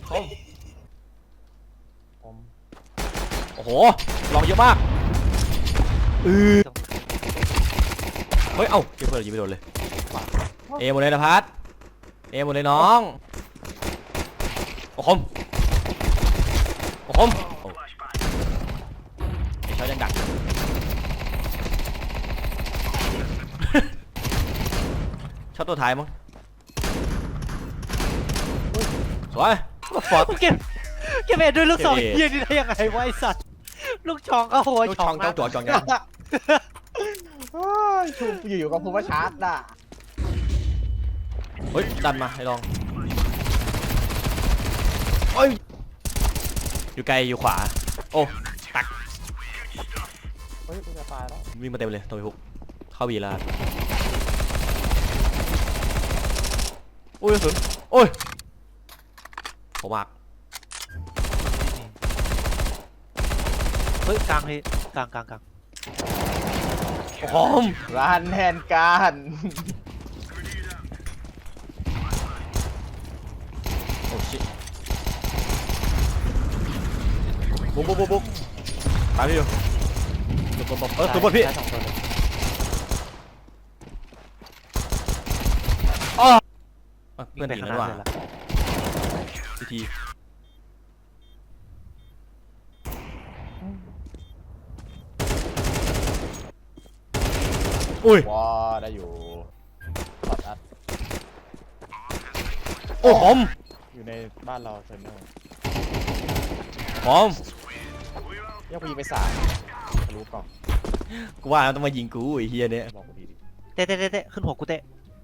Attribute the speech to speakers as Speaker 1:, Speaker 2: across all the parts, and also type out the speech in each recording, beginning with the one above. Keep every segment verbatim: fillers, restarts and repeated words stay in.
Speaker 1: คมคมโอ้โหลองเยอะมากเออเฮ้ยเอ้าเก็บเปิดยิงไม่โดนเลยเอหมดเลยนะพัดเอหมดเลยน้องโอ้คมโอ้คมไอ้ชอยยังดักช็อตตัวท้ายมั้งสวยฟอร์ด
Speaker 2: เก็บเก็บเอ็ดด้วยลูกสองเฮียนี่ได้ยังไงวะไอสัตว์ลูกช่องก็หัว
Speaker 1: ลูก
Speaker 2: ช่
Speaker 1: ช่
Speaker 2: อ
Speaker 1: อง งเจ้าตัวจองยัง
Speaker 3: ชูอยู่ๆก็พูดว่าชาร์จน่ะ
Speaker 1: เฮ้ยดันมาให้ลองเฮ้ยอยู่ไกลอยู่ขวาโอ้ตัก
Speaker 3: เฮ้ยกูจะตายแล้ว
Speaker 1: วิ่งมาเต็มเลยตัวไปฮุกเข้าบีแล้วโอ้ยกระสุนโอ้ยผมมาก
Speaker 2: เฮ้ยกลางเลยกลางกลางกลาง
Speaker 1: โอ้โห
Speaker 3: ร้านแทนการ
Speaker 1: โอ้ชิบุกบุกบุกบุกตามพี่อยู่ตัวตัวเออตัวบนพี่อ๋อเพื่อนหนีแล้วว่ะทีทีอุ้ย
Speaker 3: ว้าได้อยู่ปัดอัด
Speaker 1: โอ้หอม
Speaker 3: อยู่ในบ้านเราเซนเนอร์
Speaker 1: หอม
Speaker 3: ยังไปยิงไปสามรู้ก่อน
Speaker 1: กูว่าต้องมายิงกูไอ้เฮียเนี่ย
Speaker 3: บอกกูดีดิ
Speaker 2: เตะเตะเตะเตะขึ้นหัวกูเตะ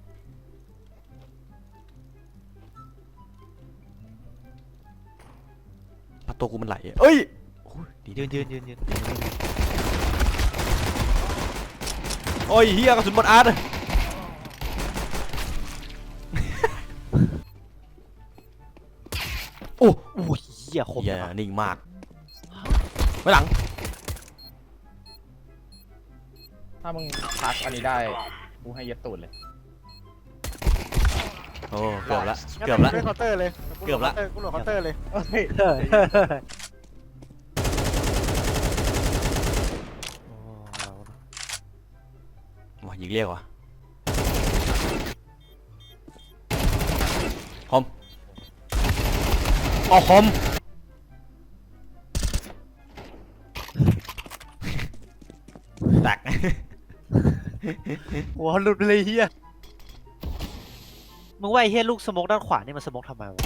Speaker 1: พัดตัวกูมันไหลเอ้ยดี
Speaker 2: ยืนยืนยืนยืน
Speaker 1: โอ้ยเฮียกระสุนบนอาร์ตโอ้
Speaker 2: โอ้ยเหี้ยคม
Speaker 1: เฮียนิ่งมากไว้หลัง
Speaker 3: ถ้ามึงพักอันนี้ได้กูให้ยัดตูดเลย
Speaker 1: โอ้เกือบละเกือบละ
Speaker 4: เล่นเคาน์เตอร์เลย
Speaker 1: เกือบละ
Speaker 4: กูโหลดเคาน์เตอร์เลย
Speaker 3: เฮ้ย
Speaker 2: เฮ้ยเฮ้ยเฮ้ยโอ้
Speaker 1: มายิงเรียกว่ะคอมอ๋อคอมแตก
Speaker 2: หัวหลุดเลยเฮียมึงว่าไอ้เฮียลูกสโมกด้านขวานี่มันสโมกทำไมวะ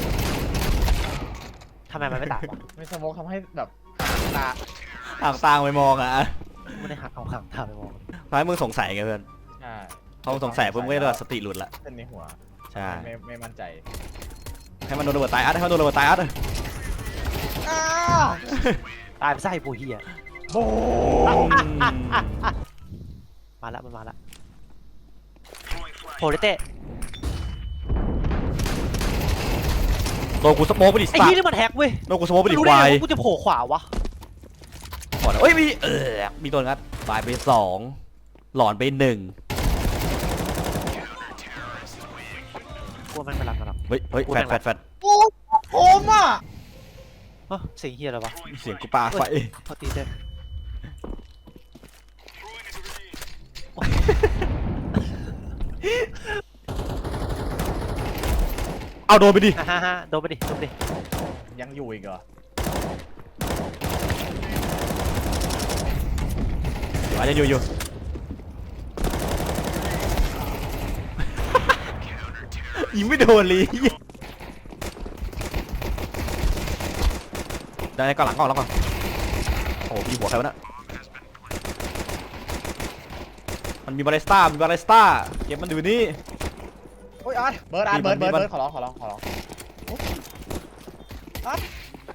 Speaker 2: ทำไมมันไม่ตายวะ
Speaker 3: ไม่สโมกทำให้แบบตา
Speaker 1: ห่างตางไปมองอ่ะ
Speaker 2: ไม่ได้หักเอาห่างตาไปมอง
Speaker 1: ท้ายมึงสงสัยไงเพื่อน
Speaker 3: ใช่
Speaker 1: พอมึงสงสัยปุ๊บมึงก็แบบสติหลุดละ
Speaker 3: เส้นในหัว
Speaker 1: ใช่
Speaker 3: ไม่ไม่มั่นใจ
Speaker 1: ให้มันโดนระเบิดตายอัดให้มันโดนระเบิดตายอัด
Speaker 2: ตายไปไส้ปูเฮีย
Speaker 3: โอ้
Speaker 2: มาละมันมาละโผล่เลยเตะ
Speaker 1: โดนกูสโมกไปดิ
Speaker 2: ไอ้
Speaker 1: สัต
Speaker 2: เฮีย
Speaker 1: ว์
Speaker 2: นี่มันแฮกเว้ย
Speaker 1: โดนกูสโมกไปดิ
Speaker 2: รู้
Speaker 1: ค
Speaker 2: ได้
Speaker 1: วา
Speaker 2: ไง
Speaker 1: ย
Speaker 2: ว่ากูจะโผล่ขวาวะ
Speaker 1: ก่อนเอ้ยมีเออมีตัวงัดตายไปสองหลอนไปหนึ่ง
Speaker 2: กลัวมันมาลักกันหรอ
Speaker 1: เฮ้ยเฮ้ยแฟดแฟดแฟด
Speaker 3: โอ้ผมอ่ะ
Speaker 2: เฮ้ยเสียงเฮียอะไรวะ
Speaker 1: เสียงกูปาไฟ
Speaker 2: พอตีเต้
Speaker 1: เอาโดนไปดิ
Speaker 2: ฮ่าฮ่าโดนไปดิโดนไปดิ
Speaker 3: ยังอยู่อีกเหรอ
Speaker 1: อาจจะอยู่อยู่ ยิงไม่โดนเลยได้ก่อนหลังก่อนแล้วก่อนโอ้พี่หัวใครวะน่ะมันมีบาริสต้ามีบาริสต้าเก็บมันอยู่นี่
Speaker 3: โอ้ยอาร์ตเบิร์ดอาร์ตเบิร์ดเบิร์ด
Speaker 1: มัน
Speaker 3: เบิร์ดขอร้องขอร้องขอร้องอาร์ต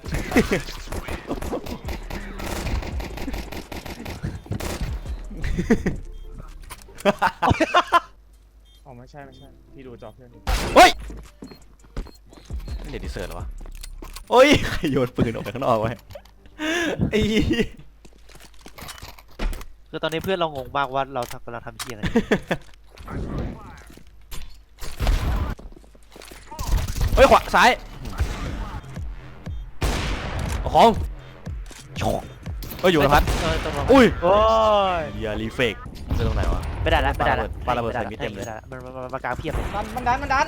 Speaker 3: อ๋อไม่ใช่ไม่ใช่พี่ดูจอเพื่อน
Speaker 1: เฮ้ยเด็ดดิเซอร์เหรอวะโอ้ยใครโยนปืนออกไปข้างนอกไว้ไอ้
Speaker 2: คือตอนนี้เพื่อนเรางงมากว่าเรากำลังทำเฮียอะไร
Speaker 1: เฮ้ยขวาซ้ายของโชกเอ้ยอยู่นะพัด
Speaker 2: เออตรงนั้น
Speaker 1: อุ้ย
Speaker 2: โอ้ย
Speaker 1: อย่ารีเฟกไปตรงไหนวะ
Speaker 2: ไม่ได้ละไม่ได้ละ
Speaker 1: ปาระเบิดใส่มิดเต็มเลย
Speaker 2: ไได้ะมันมันมันมากลางเพียบเลย
Speaker 3: มันมันดันมันดัน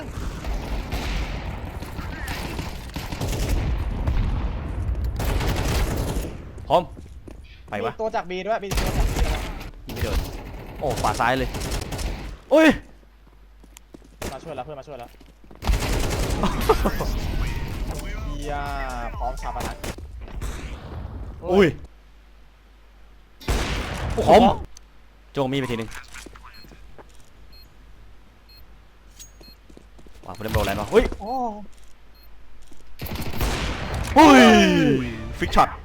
Speaker 1: พร้อมไปวะ
Speaker 3: มีตัวจากบีด้วยมีตัวจากบีด้วย
Speaker 1: ยิงไม่โดนโอ้ขวาซ้ายเลยอุ้ย
Speaker 3: มาช่วยแล้วเพื่อนมาช่วยแล้วเฮียพร้อมชาปนกิจ
Speaker 1: อุ้ยพร้อมโจงมีไปทีนึงว้าวเล่นโบว์แลนด์วะเฮ้ย
Speaker 3: โอ้
Speaker 1: อุ้ยฟิกช็อต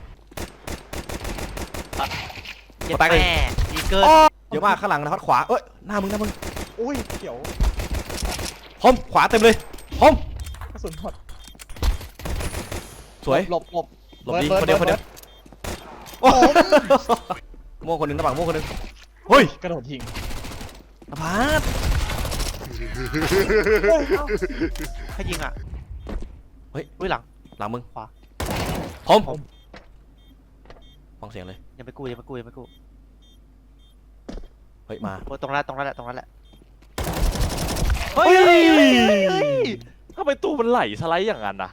Speaker 2: เจ็บ
Speaker 1: ตายเลย
Speaker 2: แม่ดีเกิน
Speaker 1: เยอะมากข้างหลังนะพัดขวาเอ้ยหน้ามึงหน้ามึง
Speaker 3: อุ้ยเขียว
Speaker 1: พร้อมขวาเต็มเลยพร้อม
Speaker 3: กระสุนหมด
Speaker 1: สวย
Speaker 3: หลบหลบ
Speaker 1: หลบดี
Speaker 3: เบิร์
Speaker 1: คนเดียวคน
Speaker 3: เบิ
Speaker 1: เดี
Speaker 3: ร์
Speaker 1: ยวโอ้โม่คนหนึ่งกระบังโม่คนหนึ่งเฮ้ย
Speaker 3: กระโดดยิง
Speaker 1: อภาส
Speaker 2: ใครยิงอ่ะ
Speaker 1: เฮ้ย
Speaker 2: อุ้ยหลัง
Speaker 1: หลังมึง
Speaker 2: ขวา
Speaker 1: พร้อมฟังเสียงเลย
Speaker 2: ยังไม่กู้ยังไม่กู้ยังไม่กู้
Speaker 1: เฮ้ยมา
Speaker 2: โอ้ยตรงนั้นตรงนั้นแหละตรงนั้นแหละ
Speaker 1: เฮ้ย
Speaker 4: ทำไมตู้มันไหลสไลด์อย่างนั้นนะ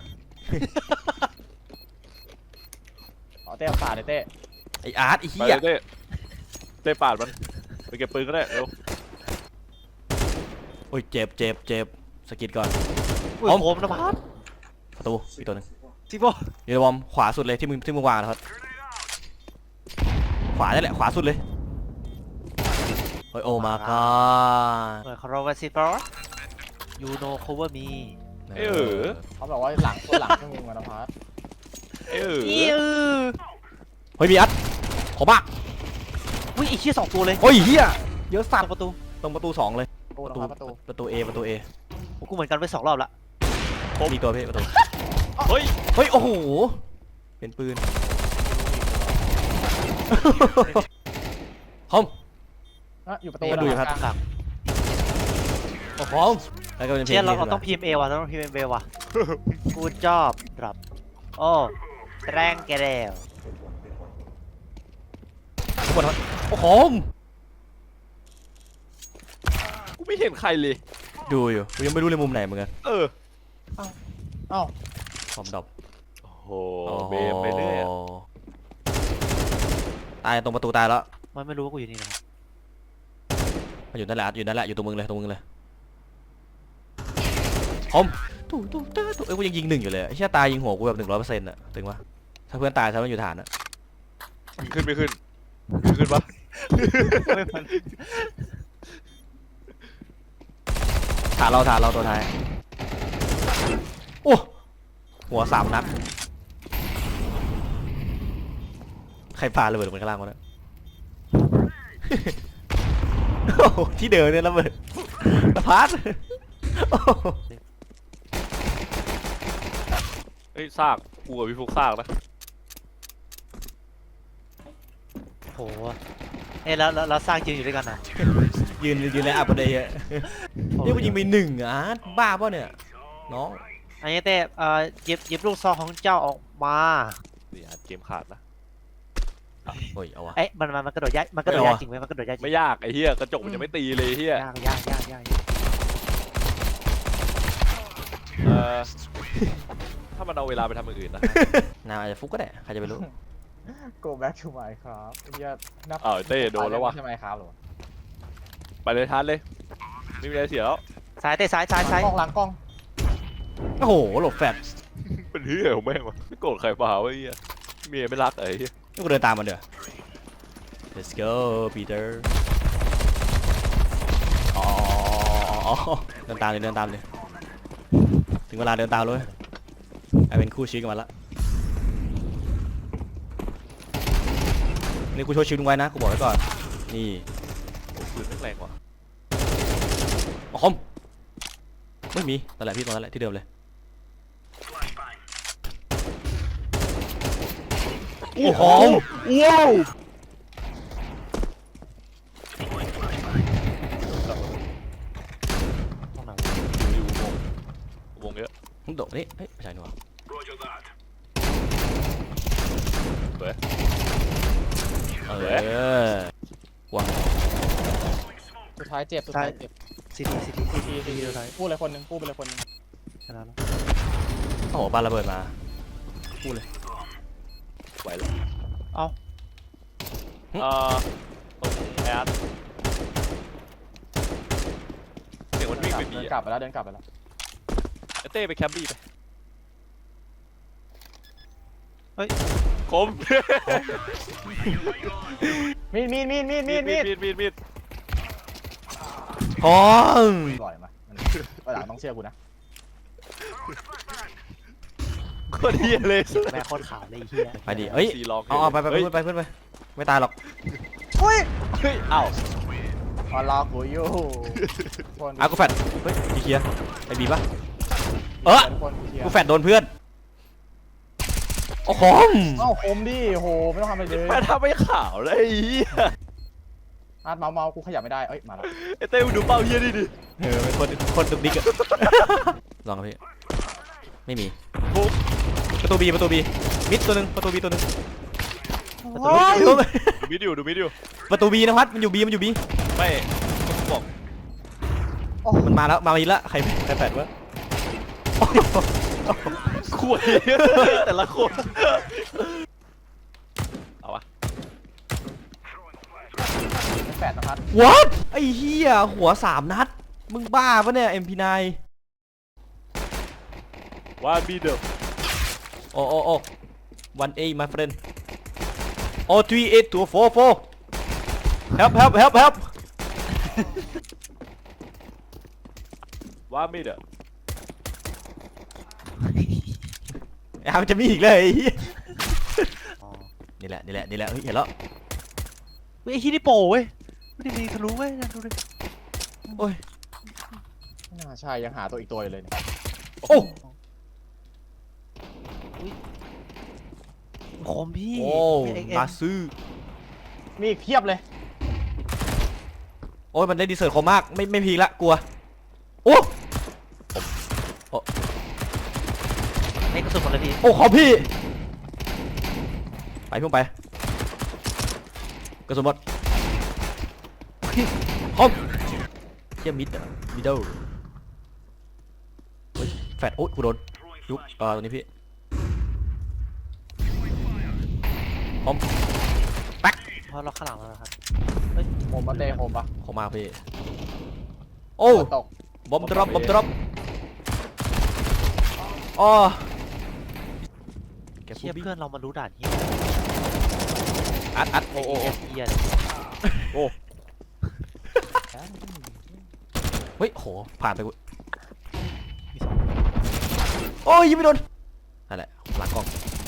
Speaker 3: อ๋อเต้ป่าเลยเต้
Speaker 1: ไออาร์ตไอ
Speaker 4: ไป
Speaker 1: เหี้ย
Speaker 4: เลยเต้เต้ปาดมันไปเก็บปืนก็ได้เร็ว
Speaker 1: โอ้ยเจ็บเจ็บเจ็บสกิดก่อน
Speaker 2: อุ้ย
Speaker 1: พร้อม
Speaker 2: โผมนะพัด
Speaker 1: ประตูอีกตัวหนึง
Speaker 2: ซิโบ
Speaker 1: ยูนิวอร์มขวาสุดเลยที่มึงที่มึงวางนะครับขวานี่แหละขวาสุดเลยเฮ้ยโอ้มาก็
Speaker 2: เหมือนคาร์โรวาซิโบยูโนโคเวอร์มี
Speaker 4: เออ
Speaker 3: เขาบอกว่าหลังตัวหลังเครื่องมือมานะพัด
Speaker 4: เออ
Speaker 2: อิว
Speaker 1: เฮ้ยมีอัดขอมาก
Speaker 2: อุ้ยไอ้เชี่ยสองตัวเลย
Speaker 1: โอ้ยเหี้ยเยอะ
Speaker 2: สา
Speaker 1: สั
Speaker 2: ม
Speaker 1: ตว์
Speaker 2: ประตู
Speaker 1: ตรงประตูสองเลย
Speaker 3: ประตู
Speaker 1: ประตู
Speaker 3: นะครับประตู
Speaker 1: ประตู A ประตู A
Speaker 2: ผมกูเหมือนกันไปสองรอบละ
Speaker 1: มีตัวพี่ประตู
Speaker 4: เฮ้ย
Speaker 1: เฮ้ยโอ้โหเป็นปืนพร้อม
Speaker 3: อ่ะอยู่ประตู
Speaker 1: มาดูอยู่ครับ
Speaker 3: กลาง
Speaker 2: หลัง
Speaker 1: พร้อมแล้วก็เป็นเพล
Speaker 2: เชี่ย
Speaker 1: ง
Speaker 2: เรา
Speaker 1: นี้
Speaker 2: เรา
Speaker 1: ดีก
Speaker 2: ต้อ
Speaker 1: ว่าง
Speaker 2: พิมพ์เอว่ะเราต้องพิมพ์เอว่ะกูจอบดรอปโอ้แรงแกเดว
Speaker 1: ทุกคนครับโอ้โห
Speaker 4: กูไม่เห็นใครเลย
Speaker 1: ดูอยู่กูยังไม่รู้เลยมุมไหนเหมือนกัน
Speaker 4: เออ
Speaker 3: เอ้า
Speaker 1: พร้อมดับ
Speaker 4: โอ้โหเบมไปเรื่อยอะ
Speaker 1: ตายตรงประตูตายแล้ว
Speaker 2: มันไม่รู้ว่ากูอยู่นี่นะครับ
Speaker 1: มาอยู่นั่นแหละอยู่นั่นแหละอยู่ตรงมึงเลยตรงมึงเลยพร้อมตู้ตู้ตู้ตู้เอ้ยกูยังยิงหนึ่งอยู่เลยไอ้เชี่ยตายยิงหัวกูแบบหนึ่งร้อยเปอร์เซ็นต์อะถึงวะถ้าเพื่อนตายถ้ามันอยู่ฐานอะ
Speaker 4: ขึ้นไม่ขึ้นขึ้นขึ้นปะ
Speaker 1: ฐานเราฐานเราตัวท้ายโอ้หัวสามนัดใครปาระเบิดลงไปข้างล่างวะเนี่ย โอ้โหที่เดินเนี่ยระเบิดตะพัดโอ้โห
Speaker 4: เฮ้ยซากกูกับพี่ฟุกซากนะ
Speaker 2: โหเอ้ยแล้วแล้วแล้วสร้างยืนอยู่ด้วยกันนะ
Speaker 1: ยืนยืนในอัปเดตอะนี่กูยิงไปหนึ่งอ่ะบ้าป่ะเนี่ยน้อง
Speaker 2: อันนี้เต้เอ่อหยิบหยิบลูกซองของเจ้าออกมา
Speaker 4: นี่อ่ะเกมขาดนะ
Speaker 1: โอ้ยเอาวะ
Speaker 2: เอ๊ะมันมันมันกระโดดยากมันกระโดด
Speaker 1: ไม่
Speaker 2: ยาก
Speaker 1: เอาอะ
Speaker 2: จริงไหมมันกระโดดยากจริง
Speaker 4: ไม่ยากไอ้เหี้ยกระจกมันจะไม่ตีเลยไอ้เหี้ย
Speaker 2: ยากยากยากยากยาก
Speaker 4: เออถ้ามันเอาเวลาไปทำอย่างอื่นนะ
Speaker 1: นาอาจจะฟุกก็ได้ใครจะไปรู้
Speaker 3: โก back to my ครับเฮียนับ
Speaker 4: อ้าวเต้โดนแล้ววะ
Speaker 3: ใช่ไหมครับหรอ
Speaker 4: ไปเลยทันเลยไม่มีอะไรเสียแล้ว
Speaker 2: ซ้ายเต้ซ้ายซ้ายซ้าย
Speaker 3: กล้องหลังกล้อง
Speaker 1: โอ้โหหลบแฟด
Speaker 4: เป็นเหี้ยของแม่งวะไม่โกรธใครเปล่าวะไอ้เหี้ยเมียไม่รักไอ้เหี้ย
Speaker 1: นี่กูเดินตามมันเดี๋ยว let's go Peter อ๋ออ๋อเดินตามเลยเดินตามเลยถึงเวลาเดินตามเลยไอเป็นคู่ชีวิตกันมาละนี่กูช่วยชีวิตมึงไว้นะกูบอกไว้ก่อนนี่
Speaker 4: โอ้ปืนแม่งแรงว่ะ
Speaker 1: อ๋อคอมไม่มีนั่นแหละพี่ตรงนั้นแหละที่เดิมเลยโอ้โหว้าว
Speaker 2: ตรงไหน
Speaker 4: อยู่วงวงเยอะ
Speaker 1: มึงโดดนี่เฮ้ยไม่ใช่นี่หว่า
Speaker 4: สวย
Speaker 1: เออวาง
Speaker 3: สุดท้ายเจ็บสุดท้ายเจ็บ
Speaker 2: ซีทีซีทีซีที
Speaker 3: ที
Speaker 2: ซี
Speaker 3: ที
Speaker 2: ทีสุดท้าย
Speaker 3: กู้เลยคนหนึ่งกู้ไปเลยคนหนึ่ง
Speaker 2: ชนะแล้ว
Speaker 1: โอ้โหปาระเบิดมาพูดเลย
Speaker 4: ไหวแล้ว
Speaker 2: เอ้า
Speaker 4: เอ่อตรงแอดเสียงมันวิ่งไปบี
Speaker 3: เดิน
Speaker 4: อะ
Speaker 3: กลับไปแล้วเดินกลับไปแล้ว
Speaker 4: ไอ้เต้ไปแคมป์บีไป
Speaker 2: เฮ้ย
Speaker 4: คม
Speaker 3: มีดมีดมีดมีดมีดมีด
Speaker 4: มีดมีดมีด
Speaker 1: พร้อม
Speaker 3: ปล่อยมามันวันหลังต้องเชื่อกูนะ
Speaker 4: โคตรเฮียเลย
Speaker 2: แม่โคตรขาวเลยไอ้เฮีย
Speaker 1: ไปดิเอ้ย
Speaker 4: ซีลอง
Speaker 1: เอาเอาไปไปไป
Speaker 4: เฮ้ย
Speaker 1: เพื่อนไปเพื่อนไปไม่ตายหรอก
Speaker 3: เฮ้ย
Speaker 4: เฮ้ยอ้าว
Speaker 3: มารอกูอยู่คน
Speaker 1: อากูแฟดเฮ้ยดีเคลียร์ไอ้บีปะเออ
Speaker 3: คนกูเชียร์
Speaker 1: กูแฟดโดนเพื่อนโอ้โห
Speaker 3: เอ้าคมดิโหไม่ต้องทำอะไรเลย
Speaker 4: แม่ทำไม่ขาวเลยไอ้เหี้ย
Speaker 3: อาร์ตเมาส์เมาส์กูขยับไม่ได้เอ้ยมาแล้ว
Speaker 4: ไอ้เต้มึงดูเป้าเฮียนี่ดิ
Speaker 1: เออเป็นคนคนดุกดิกอะลองครับพี่ไม่มี
Speaker 4: ปุ๊บ
Speaker 1: ประตูบีประตูบีมิดตัวหนึ่งประตูบีตัวหนึ่ง
Speaker 3: โอ้ย
Speaker 4: ดูมิดอยู่ดูมิดอยู่
Speaker 1: ประตูบีนะพัดมันอยู่บีมันอยู่บี
Speaker 4: ไม่ต้องบอก
Speaker 1: มันมาแล้วมาอีกแล้วใครใครแฟดวะ
Speaker 4: คุยแต่ละคนเอาวะ
Speaker 3: แปดนะครับ
Speaker 1: what ไอ้เหี้ยหัวสามนัดมึงบ้าปะเนี่ย เอ็ม พี ไนน์
Speaker 4: ว่ามีเดิม
Speaker 1: โอ้โอ้โอ้ one A my friend oh three eight two four four help help help help
Speaker 4: ว่ามีเดิม
Speaker 1: อ้าวมันจะมีอีกเลยไอ้เหี้ย
Speaker 2: อ๋อ
Speaker 1: นี่แหละนี่แหละนี่แหละเฮ้ยเห็นแล้ว
Speaker 2: เฮ้ยไอ้ที่นี่โปรเว้ยไม่ได้มีทะลุเว้ยนะดูดิ
Speaker 1: โอ้ย
Speaker 3: ไม่น่าใช่ยังหาตัวอีกตัวอยู่เลยเนี่ย
Speaker 1: โอ้
Speaker 2: คมพี่
Speaker 1: โอ้
Speaker 2: เอ็กเอ็
Speaker 1: มาซื้อ
Speaker 3: มีอีกเพียบเลย
Speaker 1: โอ้ยมันได้ดีเซอร์คมมากไม่ไม่พีละกลัวโอ้
Speaker 2: เอ็กกระสุนหมดเลยพี่
Speaker 1: โอ้ขอพี่ไปพุ่งไปกระสุนหมดคอมเชี่ยมิดอะมิดเดิลเฮ้ยแฟดโอ้ยกูโดนยุบเอ่อตัวนี้พี่คอม
Speaker 2: เพราะเราข้างหลังแล้วนะครับ
Speaker 3: โฮมปะเต้โฮมปะ
Speaker 1: ขอมาพี่โอ้
Speaker 3: ตก
Speaker 1: บอมดรอปบอมดรอปอ๋อแก
Speaker 2: เชี่ย
Speaker 1: ผู้บิ๊ก
Speaker 2: เพื่อนเรามารู้ด่านเฮีย
Speaker 1: อัดอัด
Speaker 2: โอ้โหเฮียเลย
Speaker 1: เฮ้ยโหผ่านไปกู
Speaker 2: มีสอง
Speaker 1: โอ้ยยิงไม่โดนนั่นแหละหลังกล้อง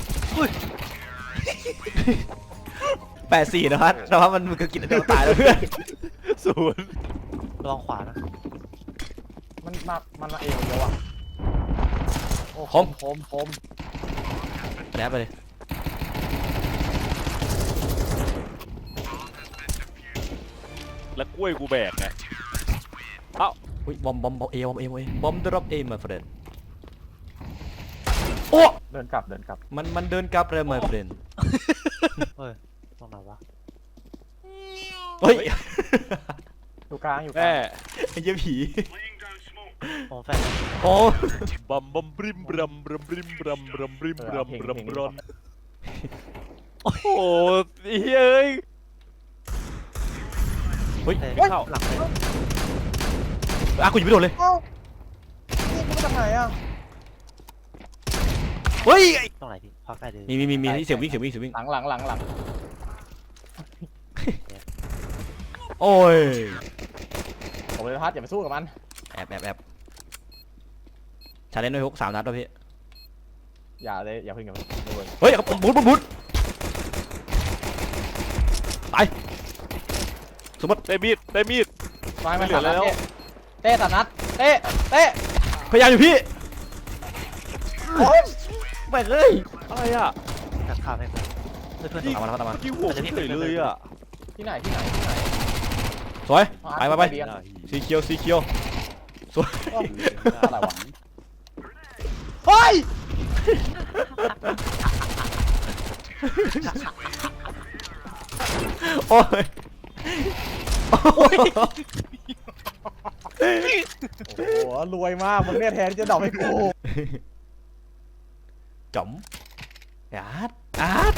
Speaker 1: แปดสี่นะครับนะครับมันมันก็กินเดียวตายแล้วเพื่อน
Speaker 4: ศูนย์
Speaker 2: ระวังขวานะ
Speaker 3: มันมามันมาเอวเยอะอ่ะโอ้
Speaker 1: คม
Speaker 3: คมคม
Speaker 1: แนบไปเลย
Speaker 4: แล้วกล้วยกูแบกไง
Speaker 1: อุ้ยบอมบอมบอมเอบอมเอบอมเอบอมดรอปเอมาเฟรนโอ้
Speaker 3: เดินกลับเดินกลับ
Speaker 1: มันมันเดินกลับเลยมาเฟรน
Speaker 2: เฮ้ยตรงไหนวะ
Speaker 1: เฮ้ย
Speaker 3: อยู่กลางอยู่ก
Speaker 4: แม่
Speaker 3: ลาง
Speaker 1: ไอ้เหี้ยผี
Speaker 2: โอ้แฟน
Speaker 1: โอ้
Speaker 4: บัมบัมบริมบรัมบรัมบริมบรัมบรัมบริมบรัมบรัมบรัมโอ้โหเฮ้ย
Speaker 1: เฮ้ย
Speaker 2: เฮ้ย
Speaker 4: ไม่เข้า
Speaker 2: หลังเลย
Speaker 1: อ่ะกูยิงไม่โดนเลย
Speaker 3: เอ้านี่กูมาจากไหนอ่ะ
Speaker 1: เฮ้ย
Speaker 2: ตรงไหนพี่พักได้เลย
Speaker 1: มีมีมีมีที่เสียงวิ่งเสียงวิ่งเสียงวิ่ง
Speaker 3: หลังหลังหลังหลัง
Speaker 1: โอ้ย
Speaker 3: ผมเลยพัดอย่าไปสู้กับมัน
Speaker 1: แอบแอบแอบชาเลนจ์ด้วยฮุกสามนัดแล้วพี่
Speaker 3: อย่าเลยอย่าเพิ่งอย่าเพิ่งดูเลย
Speaker 1: เฮ้ยบุดบุดบุดตายสมมติ
Speaker 4: ได้มีดได้มีด
Speaker 3: มา
Speaker 4: ไม่
Speaker 3: มา
Speaker 4: เหลื
Speaker 3: สา
Speaker 4: อ
Speaker 3: มนัด
Speaker 4: แล้ว
Speaker 3: เต้เต้สามนัดเต้เต้
Speaker 1: พยายามอยู่พี่แม่งเอ้ย
Speaker 4: อะไรอ่ะ
Speaker 2: ตัดข้ามให้ผมเพื่อนเพื่อน
Speaker 1: ตามมาแล้วตามมา
Speaker 4: ยี่หัวเฉยเลยอ่ะ
Speaker 3: ที่ไหนที่ไหนที่ไหน
Speaker 1: สวยไปไปไป
Speaker 3: เบียร์
Speaker 1: สีเขียวสีเขียวสวย
Speaker 3: อะไรวะเฮ้ย
Speaker 1: โอ้ยโอ้ย
Speaker 3: โอ้โหรวยมากมึงเนี่ยแทนที่จะดอกให้กู
Speaker 1: จ๋อมอาร์ตอาร์ต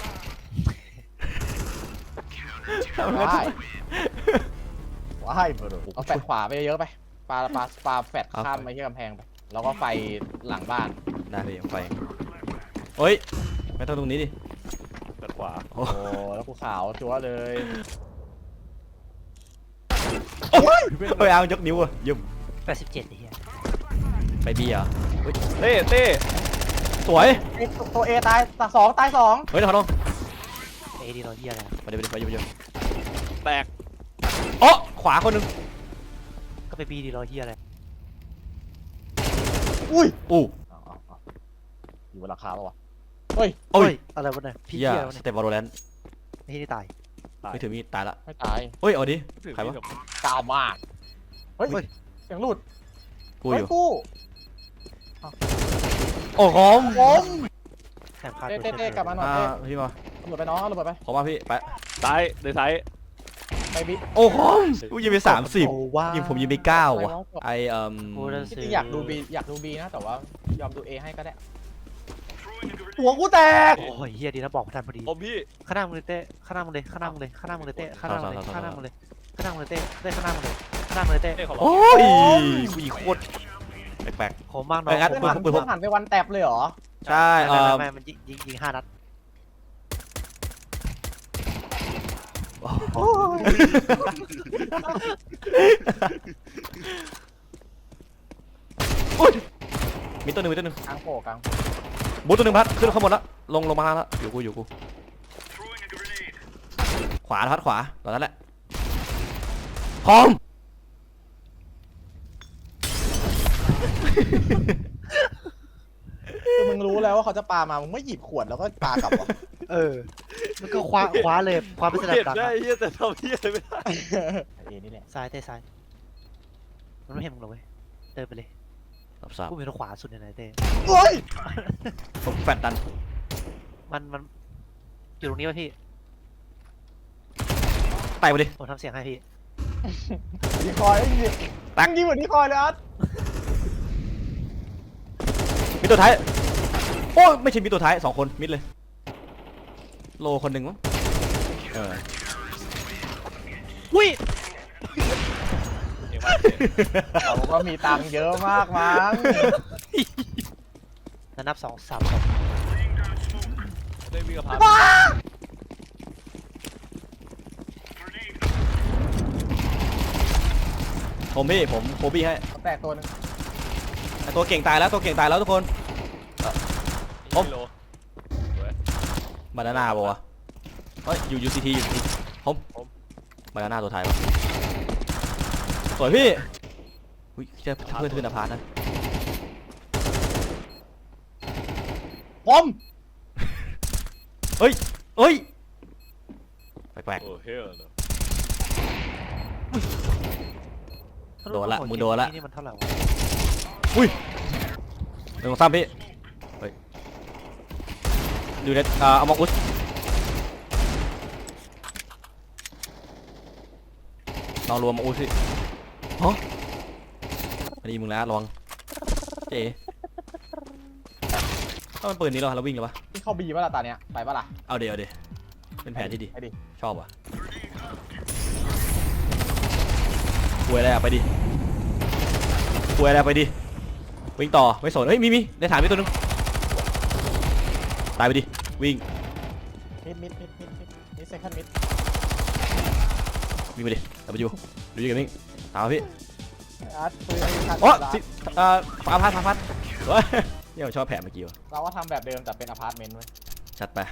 Speaker 1: ทำไม
Speaker 3: ว้ายว้ายเบอร์เอาแฟดขวาไปเยอะๆไปปาปาปาแฟดข้ามไปที่กำแพงไปแล้วก็ไฟหลังบ้าน
Speaker 1: ได้พี่ไฟเฮ้ยไม่ต้องตรงนี้ดิ
Speaker 4: ด้านขวา
Speaker 1: โอ้
Speaker 3: โอ้แล้วกูขาวจั๊วเลย
Speaker 1: โอ้ยเฮ้ยเอายกนิ้วอะยุ่ม
Speaker 2: แปดสิบเจ็ดไอ้เหี้ย
Speaker 1: ไปบีเหรอเฮ้ย
Speaker 4: เต้เต้
Speaker 1: สวย
Speaker 3: เอ้ยตัวเอตายตาสองตายสอง
Speaker 1: เฮ้ยเดี๋ยวขอลง
Speaker 2: เอดีเราเหี้ยอะไร
Speaker 1: ไปเดี๋ยวไปเดี๋ยวไปเดี๋ยว
Speaker 4: แตก
Speaker 1: โอ้ขวาคนหนึง
Speaker 2: ก็ไปบีดีเราเหี้ยอะไร
Speaker 3: อุ้ย
Speaker 1: อู้
Speaker 3: เอาเอาเอาอยู่บนราคาปะวะเฮ้ย
Speaker 1: โอ้ย
Speaker 2: อะไรวะเนี่ยพี่
Speaker 1: เฮีย
Speaker 2: เหี้ยวะ
Speaker 1: ส
Speaker 2: เนี่ย
Speaker 1: เต็ปวอลเลน
Speaker 2: นี่นี่ตาย
Speaker 1: ไม่ถือมีดตายละ
Speaker 3: ไม่ตาย
Speaker 1: เฮ้ยเอาดิ
Speaker 4: ถือ
Speaker 1: ใครวะ
Speaker 4: มีดกับ
Speaker 3: กาวมากเฮ้ย
Speaker 2: เฮ้ย
Speaker 3: เสียงหลุด
Speaker 1: กูอ
Speaker 3: เฮ้ย
Speaker 1: ยู่
Speaker 3: กู
Speaker 1: โอ้โหม
Speaker 3: ผม
Speaker 2: แถมคา
Speaker 3: เต้เต้เต้กลับมาหน่อย
Speaker 1: อ่า
Speaker 3: เต้
Speaker 1: พี่มา
Speaker 3: หลุดไปน้องหลุดไป
Speaker 1: ขอมาพี่ไป
Speaker 4: ซ้ายในซ้าย
Speaker 3: ไปบิ๊ก
Speaker 1: โอ้โหกูยิงไปสามสิบ
Speaker 2: โอ้ว้า
Speaker 1: ยิงผมยิงไปเก้าว่ะไอเอ่ม
Speaker 2: โอ้แล้ว
Speaker 3: จริงๆอยากดูบีอยากดูบีนะแต่ว่ายอมดูเอให้ก็ได้หัวกูแตก
Speaker 2: โอ้ยเหี้ยดีนะบอกทันพอดี
Speaker 4: ผมพี่
Speaker 2: ข้างหน้ามึงเลยเต้ข้างหน้ามึงเลยข้างหน้ามึงเลยข้างหน้ามึงเลยเต้ข้างหน้ามึงเลยข้างหน้ามึงเลยข้างหน้ามึงเลยเต้เต้ข้างหน้ามึงเลยข้างหน้ามึงเลยเต้
Speaker 4: เต้ขอร้อง
Speaker 1: โอ้ยกูยิงโคตรแปลก
Speaker 2: ผมมากน้
Speaker 1: ไป
Speaker 2: อง
Speaker 1: งัด
Speaker 2: ผม
Speaker 3: เพื่อน
Speaker 2: มาก
Speaker 3: หันเพื่อนหันไปวันแตบเลยเหรอ
Speaker 1: ๆใช่เอ่
Speaker 2: ไม่
Speaker 1: อ
Speaker 2: ไม่ไม่มันยิงยิงยิงห้านัด
Speaker 3: โอ้ย
Speaker 1: อุ๊ยมีตัวหนึ่งมีตัวหนึ่ง
Speaker 3: กลางโผล่กลาง
Speaker 1: บูทตัวหนึ่งพัดขึ้นข้างบนแล้วลงลงมาแล้วอยู่กูอยู่กูขวาพัดขวาตอนนั้นแหละพร้อม
Speaker 3: คือมึงรู้แล้วว่าเขาจะปามามึงไม่หยิบขวดแล้วก็ปากลับวะ
Speaker 2: เออมันก็คว้าคว้าเลยคว้าไปสลับ
Speaker 4: เห็น
Speaker 2: กลับ
Speaker 4: ได้เฮียแต่ทำเฮียอะไรไม่ได้
Speaker 3: เอนี่แหละ
Speaker 2: ซ้ายเต้ซ้ายมันไม่เห็นมึงหรอกเว้ยเดินไปเลย
Speaker 1: รับทราบ
Speaker 2: กูเป็นทางขวาสุดในไหนเต้
Speaker 3: โอ้ย
Speaker 1: ผมแฟดดัน
Speaker 2: มันมันอยู่ตรงนี้ป่ะพี่
Speaker 1: ไปไปดิ
Speaker 2: ผมทำเสียงให้พี่
Speaker 3: ดีคอยไอ้ยิง
Speaker 1: ตัก
Speaker 3: ยิงเหมือนดีคอยเลยอัส
Speaker 1: มีตัวท้ายโอ้ยไม่ใช่มีตัวท้ายสองคนมิดเลยโลคนหนึ่งมั้งเออ
Speaker 2: อุ้ย
Speaker 4: เองว่า
Speaker 3: เขาก็มีตังค์เยอะมากมั้ง
Speaker 2: แล้วนับสองสามสอง
Speaker 4: ได้วิ่งกับพา
Speaker 1: ผมพี่ผมโคบี้ให้
Speaker 3: แตกตัวหนึง
Speaker 1: ไอ้ตัวเก่งตายแล้วตัวเก่งตายแล้วทุกคน ผม
Speaker 4: โล
Speaker 1: บานาน่าบอกว่าวะเฮ้ยอยู่ยูซีทีอยู่ทีผมบานาน่าตัวท้ายวะสวยพี่อุ้ยเจะเพื่อนขึ้นอพาร์ตนะ
Speaker 3: ผม
Speaker 1: เฮ้ยเฮ้ยแปลก
Speaker 4: โอ้เฮียเนอะ
Speaker 1: โดนละมึงโดนละ
Speaker 2: นี่มันเท่าไหร่วะ
Speaker 1: ๆอุ้ยหนึ่งสองสามพี่เฮ้ยดูเน็ตอ่าเอามองอุสลองรวมมาอุสสิฮะอันนี้มึงแล้วระวังเจ๊ถ้ามันปืนนี้เหรอเราวิ่งเหรอวะ
Speaker 3: ที่เข้าบีป่ะล่ะตาเนี้ยไปป่ะล่ะ
Speaker 1: เอาเดี๋ยวเดี๋ยวเป็นแผนที่ดี
Speaker 3: ไปดิ
Speaker 1: ชอบว่ะป่วยอะไรอะไปดิป่วยอะไรไปดิวิ่งต่อไม่สนเฮ้ยมีมีในฐานมีตัวนึงตายไปดิวิ่ง
Speaker 3: มิดมิดมิดมิดมิดมิดเซคันด์มิด
Speaker 1: วิ่งไปดิเอาไปอยู่ดูยิงกันวิ่งตามมาพี่
Speaker 3: อัสปืนไอ้คัน
Speaker 1: โอ้สิเอ่ออาพัดอาพัดเฮ้ยเนี่ยผมชอบแผนเมื่อกี้ว่ะ
Speaker 3: เราก็ทำแบบเดิมแต่เป็นอพาร์ตเมนต์เว้ย
Speaker 1: จัดไป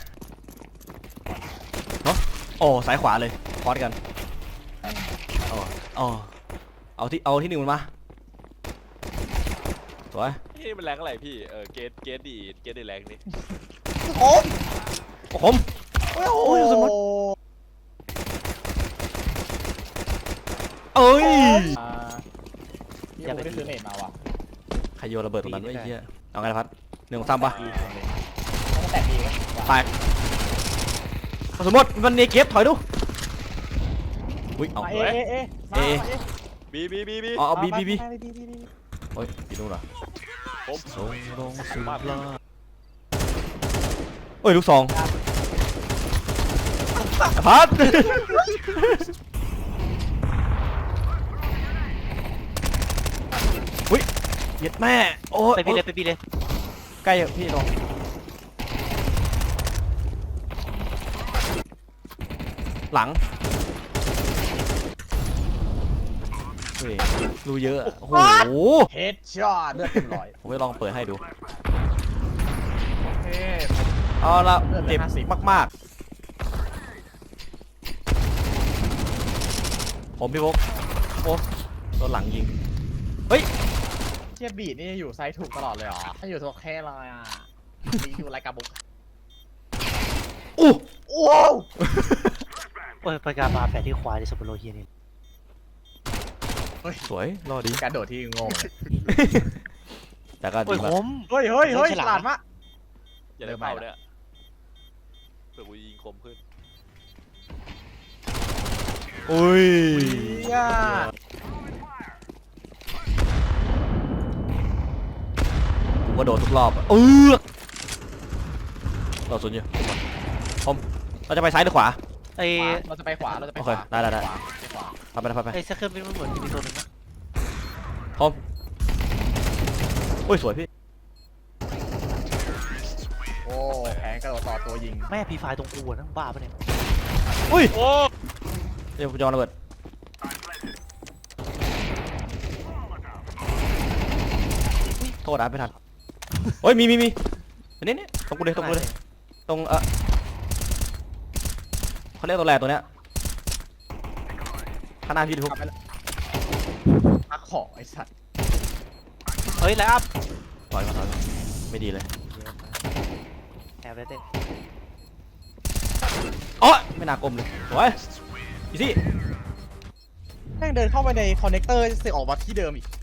Speaker 1: เนาะโอ้สายขวาเลยพอดกันอ๋ออ๋อเอาที่เอาที่หนึ่งมันมาสวย
Speaker 4: นี่มันแรงอะไรพี่เออเกตเกตดีเกตดีแรงนี่
Speaker 3: ผม
Speaker 1: โอ้ผม
Speaker 3: โอ้โห
Speaker 1: โอ้ยสมมุติ เอ้ย
Speaker 3: อ่าพี่ผมไม่ได้ซื้อเน็ตมาว่ะ
Speaker 1: ใครโยนระเบิดตรงนั้นไอ้เหี้ยเอาไงล่ะพัดหนึ่งสองสามปะ
Speaker 3: ต้องแตกดีไหม
Speaker 1: แตกสมมติมันเนเก็บถอยดูอุ้ยเอา
Speaker 3: มาเอเอเอมา
Speaker 1: เอ
Speaker 3: มาเอ
Speaker 4: บีบีบีบี
Speaker 1: เอาเอาบีบีบี
Speaker 3: มามาบีบีบี
Speaker 1: เฮ้ยบีดูเหรอ
Speaker 4: ผม
Speaker 1: ส่งลงสู่ลาเอ้ยลูกสองพัดอุ้ยเย็ดแม่โอ้ย
Speaker 2: ไปพี่เลยไปพี่เลย
Speaker 1: ใกล้พี่ลงหลังเฮ้ยดูเยอะอะโอ้โห
Speaker 3: เฮดช็อตเลือดเต็มร้อย
Speaker 1: ผมจะลองเปิดให้ดู
Speaker 3: โอเค
Speaker 1: เอาละ
Speaker 3: เลือดเหลื
Speaker 1: เจ็
Speaker 3: อบ ห้าสิบ
Speaker 1: มากๆ ผมพี่พกโอ้โดนหลังยิง เฮ้ย
Speaker 3: เทียบบีดนี่อยู่ไซส์ถูกตลอดเลยเหรอถ้าอยู่โอเคเลยอ่ะบีอยู่ไรกาบุก
Speaker 1: อู้
Speaker 3: โอ้ว
Speaker 2: โอ้ยประการมาแฝดที่ควายในสปโลเฮียนี่
Speaker 1: สวย รอดี
Speaker 3: การโดดที่งงเลย
Speaker 1: แต่ก็
Speaker 2: โอ้
Speaker 1: ดี
Speaker 2: ย
Speaker 1: มาก
Speaker 2: ผม
Speaker 3: เฮ้ยเฮ้ยเฮ้ย
Speaker 2: ฉ
Speaker 3: ฉ
Speaker 2: ลาด
Speaker 3: ลาดมาก
Speaker 4: อย่าได้เป่าเนี่ยเผื่อกูยิงคมขึ้น
Speaker 1: อุ้ย
Speaker 3: เฮีย
Speaker 1: ผมก็โดนทุกรอบอะเออเราสนอยู่ผมเราจะไปซ้ายหรือขวา
Speaker 2: ไอ้
Speaker 3: เราจะไปขวาเราจะไป
Speaker 1: โอ
Speaker 3: ข
Speaker 1: เคว
Speaker 3: า
Speaker 1: ได้ได้ได้
Speaker 3: ขวา
Speaker 1: พาไปนะพาไป
Speaker 2: ไอ้เซคันด์เป็นมันเหมือนมีตัวหนึงนะ
Speaker 1: ผมโอ้ย สวยพี่
Speaker 3: โอ้แผงกระโดดต่อตัวยิง
Speaker 2: แม่พีไฟตรงกูอะนั่งบ้าปะเนี่ย
Speaker 1: อุ้ย
Speaker 4: โอ้
Speaker 1: เดี๋ยวผมจะวางระเบิดโทษนะไม่ทันโอ้ย มีมีมีอันนี้นี่ตรงกูเลยตรงกูเลย ตรงเออเขาเรียกตัวแรกตัวเนี้ยข้างหน้าพี่ทุก
Speaker 3: กลับไปแล้วพักขอไอ้สัตว์
Speaker 2: เฮ้ยไลน์อัพ
Speaker 1: ถอยมาถอยมาไม่ดีเลย
Speaker 2: แอบเลยเต้
Speaker 1: อ๋อไม่น่ากลมเลยสวยอีซี่
Speaker 3: แม่งเดินเข้าไปในคอนเนคเตอร์เสือกออกมาที่เดิมอีก